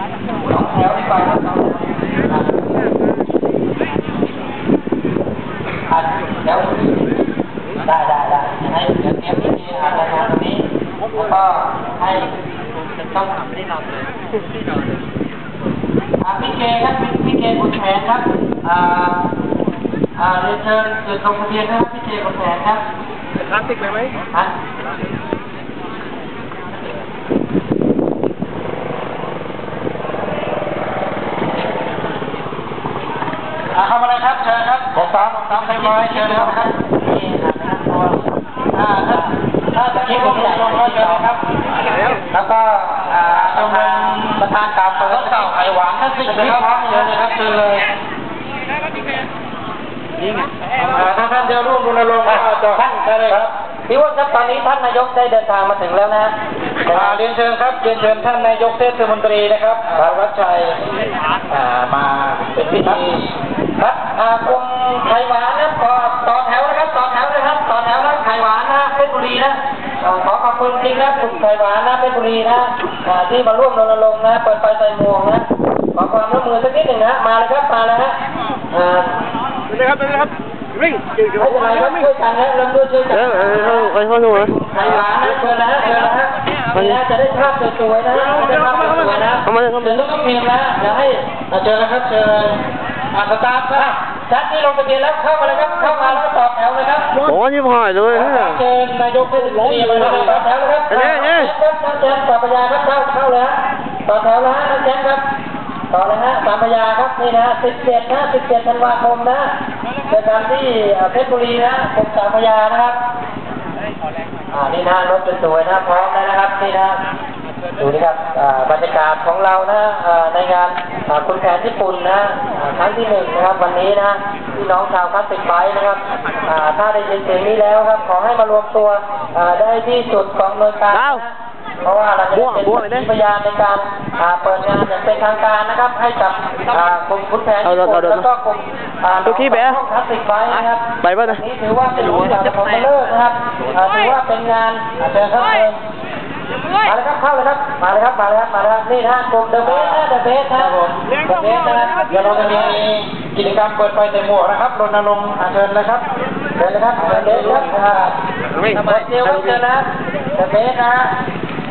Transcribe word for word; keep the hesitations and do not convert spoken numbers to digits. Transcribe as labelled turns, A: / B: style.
A: สองแถวดีกว่าครับอันแถวได้ได้ได้ให้เดี๋ยวเตรียมพิธีอาราธนาตรงนี้แล้วก็ให้ต้องทำที่เราเลยที่เราเลยพี่เกครับพี่เกบุญแผนครับอ่าอ่าเรียนเชิญจุดลงทะเบียนนะครับพี่เกบุญแผนครับ
B: เป็นพลาสติกเลยไหม
A: ฮะทำอะไรครับเชิญครับผมตามตามใครมาเชิญครับครับนี่ครับอ่าถ้าถ้าจะคิดว่าผมก็เชิญครับแล้วก็อ่าชมรมประธานกล่าวเปิดเก่าไข่หวานท่านสิงห์นะครับเชิญเลยครับเชิญเลยนี่ไงถ้าท่านเดียวร่วมรณรงค์ท่านได้เลยครับพี่ว่าครับตอนนี้ท่านนายกได้เดินทางมาถึงแล้วนะเรียนเชิญครับเรียนเชิญท่านนายกเทศมนตรีนะครับพระวัชชัยมาเป็นพิธีครับกลุ่มไข่หวานนะต่อต่อแถวนะครับต่อแถวนะครับต่อแถวนะไข่หวานนะเพชรบุรีนะขอขอบคุณจริงนะกลุ่มไข่หวานนะเพชรบุรีนะที่มาร่วมรณรงค์นะเปิดไฟใส่หมวกนะขอความร่วมมือสักนิดหนึ่งนะมาเลยครับมาเลยฮะ
B: ไปเลยครับไปเลยครับวิ่ง
A: ไม่เป็นไรครับช่วยกันนะเริ่มด้วยช่วยกัน
B: เออเออไปข้างนู้น
A: ไข่หวานนะเชิญนะเชิญนะฮะนี่นะจะได้ภาพสวยๆนะได้ภาพสวยๆนะ
B: เข้ามาเลยเข้ามา
A: เชิญทุกทีมนะเดี๋ยวให้เชิญนะครับเชิญอาสตาฟครับชัดที่ลงทะเบียนแล้วเข้ามาเลยครับเข้ามาแล้วก็ต่อแถวเลยครับ
B: โอ้ยผ่านเลย
A: เชิญนายกเทศมนตรีมาเลยต่อแถวเลยครับ
B: เนี่ยเนี่ย
A: ครับท่านแจ้งต่อพยาครับเข้าเข้าเลยฮะต่อแถวแล้วฮะท่านแจ้งครับต่อเลยฮะสามพยาครับนี่นะสิบเจ็ดนะสิบเจ็ดธันวาคมนะเจอกันที่เพชรบุรีนะกรมสามพยานะครับอ่านี่นะรถสวยๆนะพร้อมแล้วนะครับนี่นะดูนี่ครับบรรยากาศของเรานะในงานคุณแผนญี่ปุ่นนะครั้งที่หนึ่งนะครับวันนี้นะพี่น้องชาวคลาสสิกไบค์นะครับถ้าได้ยินเสียงนี้แล้วครับขอให้มารวมตัวได้ที่จุดของหน่วยการเพราะว่าเราจะเป็นพยานในการเปิดงานอย่างเป็นทางการนะครับให้กับกลุ่มคุณแผนญี่ปุ่นแล้วก็กลุ่ม
B: ตัวขี้แบะ
A: คลาสสิกไบค์นะครับ
B: ไปป่ะนะ
A: นี่ถือว่าเป็นงานของเลิศนะครับถือว่าเป็นงานเชิญครับมาเลยครับเข้าเลยครับมาเลยครับมาเลยครับมาเลยครับนี่นะกลุ่มเดอะเบสนะเดอะเบสนะผมเดอะเบสนะเดี๋ยวเราจะมีกิจกรรมเปิดไฟใส่หมวกนะครับรณรงค์เชิญนะครับเชิญเลยครับเดอะเบสครับวิ่งหมดเดียวเชิญนะเดอะเบสนะ